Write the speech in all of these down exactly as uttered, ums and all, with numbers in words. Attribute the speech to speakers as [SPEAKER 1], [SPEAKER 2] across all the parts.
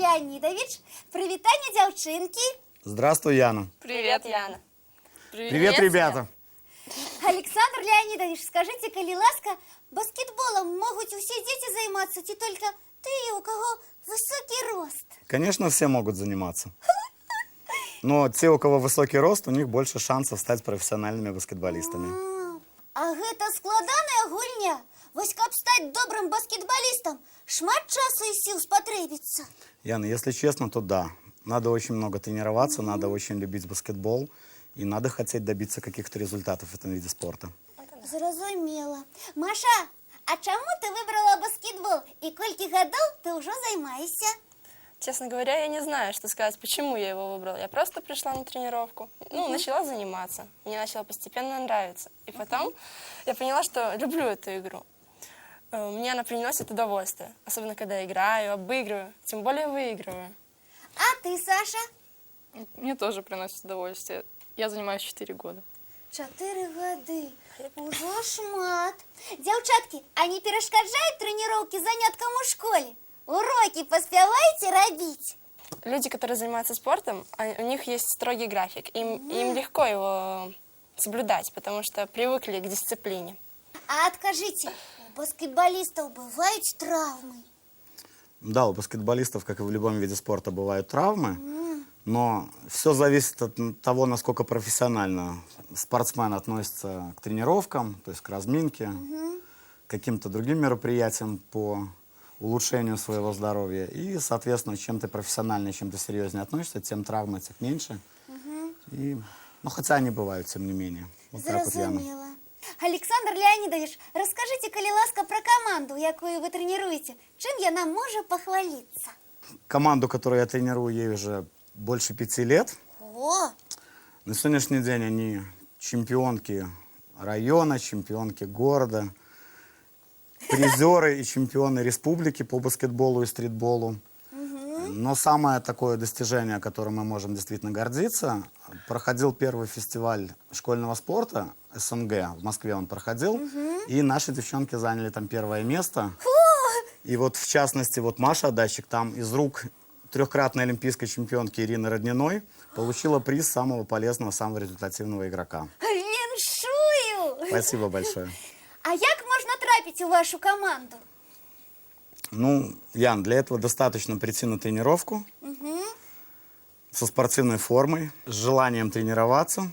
[SPEAKER 1] Леонидович. Привитание, девчонки.
[SPEAKER 2] Здравствуй, Яна.
[SPEAKER 3] Привет, Яна.
[SPEAKER 2] Привет, Привет ребята.
[SPEAKER 1] Александр Леонидович, скажите, коли ласка, баскетболом могут все дети заниматься, не только ты, у кого высокий рост.
[SPEAKER 2] Конечно, все могут заниматься. Но те, у кого высокий рост, у них больше шансов стать профессиональными баскетболистами.
[SPEAKER 1] А гэта складаная гульня. Вось каб стать добрым баскетболистом, шмат часу и сил спотребится.
[SPEAKER 2] Яна, если честно, то да. Надо очень много тренироваться, mm-hmm. надо очень любить баскетбол. И надо хотеть добиться каких-то результатов в этом виде спорта.
[SPEAKER 1] Зразумела. Маша, а чему ты выбрала баскетбол? И кольки годов ты уже занимаешься?
[SPEAKER 3] Честно говоря, я не знаю, что сказать, почему я его выбрала. Я просто пришла на тренировку, ну, uh-huh. начала заниматься. Мне начало постепенно нравиться. И потом uh-huh. я поняла, что люблю эту игру. Мне она приносит удовольствие. Особенно, когда играю, обыгрываю, тем более выигрываю.
[SPEAKER 1] А ты, Саша?
[SPEAKER 4] Мне тоже приносит удовольствие. Я занимаюсь четыре года.
[SPEAKER 1] Четыре года. Уже шмат. Девчатки, а не перешкоджают тренировки заняткам у школе? Уроки поспеваете робить?
[SPEAKER 3] Люди, которые занимаются спортом, у них есть строгий график. Им, mm. им легко его соблюдать, потому что привыкли к дисциплине.
[SPEAKER 1] А откажите, у баскетболистов бывают травмы?
[SPEAKER 2] Да, у баскетболистов, как и в любом виде спорта, бывают травмы. Mm. Но все зависит от того, насколько профессионально спортсмен относится к тренировкам, то есть к разминке, mm-hmm. к каким-то другим мероприятиям по улучшению своего здоровья. И, соответственно, чем ты профессиональнее, чем ты серьезнее относишься, тем травм этих меньше. Mm-hmm. И, ну, хотя они бывают, тем не менее. Вот так вот, Яна.
[SPEAKER 1] Александр Леонидович, расскажите, коли ласка, про команду, якую вы тренируете. Чем я нам могу похвалиться?
[SPEAKER 2] Команду, которую я тренирую, ей уже больше пяти лет.
[SPEAKER 1] О!
[SPEAKER 2] На сегодняшний день они чемпионки района, чемпионки города, призеры и чемпионы республики по баскетболу и стритболу. Угу. Но самое такое достижение, которым мы можем действительно гордиться, проходил первый фестиваль школьного спорта СНГ, в Москве он проходил, угу. и наши девчонки заняли там первое место. Фу! И вот в частности, вот Маша Датчик там из рук трехкратной олимпийской чемпионки Ирины Родниной получила приз самого полезного, самого результативного игрока.
[SPEAKER 1] Віншую!
[SPEAKER 2] Спасибо большое.
[SPEAKER 1] А як можно трапить в вашу команду?
[SPEAKER 2] Ну, Ян, для этого достаточно прийти на тренировку угу. со спортивной формой, с желанием тренироваться.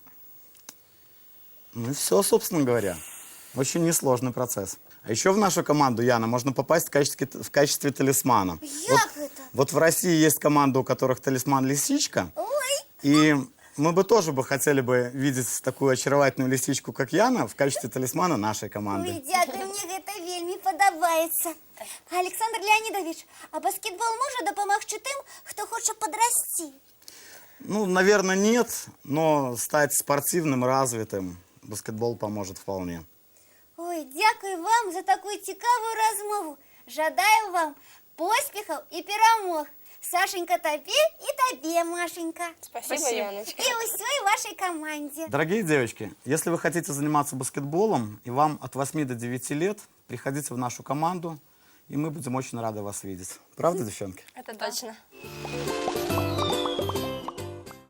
[SPEAKER 2] Ну и все, собственно говоря. Очень несложный процесс. А еще в нашу команду, Яна, можно попасть в качестве, в качестве талисмана.
[SPEAKER 1] Вот,
[SPEAKER 2] это? Вот в России есть команда, у которых талисман лисичка.
[SPEAKER 1] Ой.
[SPEAKER 2] И мы бы тоже бы хотели бы видеть такую очаровательную лисичку, как Яна, в качестве талисмана нашей команды.
[SPEAKER 1] Ой, дякую, мне это вельми подобается. Александр Леонидович, а баскетбол может допомогти тем, кто хочет подрасти?
[SPEAKER 2] Ну, наверное, нет, но стать спортивным, развитым баскетбол поможет вполне.
[SPEAKER 1] Ой, дякую вам за такую цікавую розмову. Жадаю вам поспехов и перемог. Сашенька, тебе и тебе, Машенька.
[SPEAKER 3] Спасибо, Спасибо, Яночка.
[SPEAKER 1] И всей вашей команде.
[SPEAKER 2] Дорогие девочки, если вы хотите заниматься баскетболом, и вам от восьми до девяти лет, приходите в нашу команду, и мы будем очень рады вас видеть. Правда, девчонки?
[SPEAKER 3] Это точно.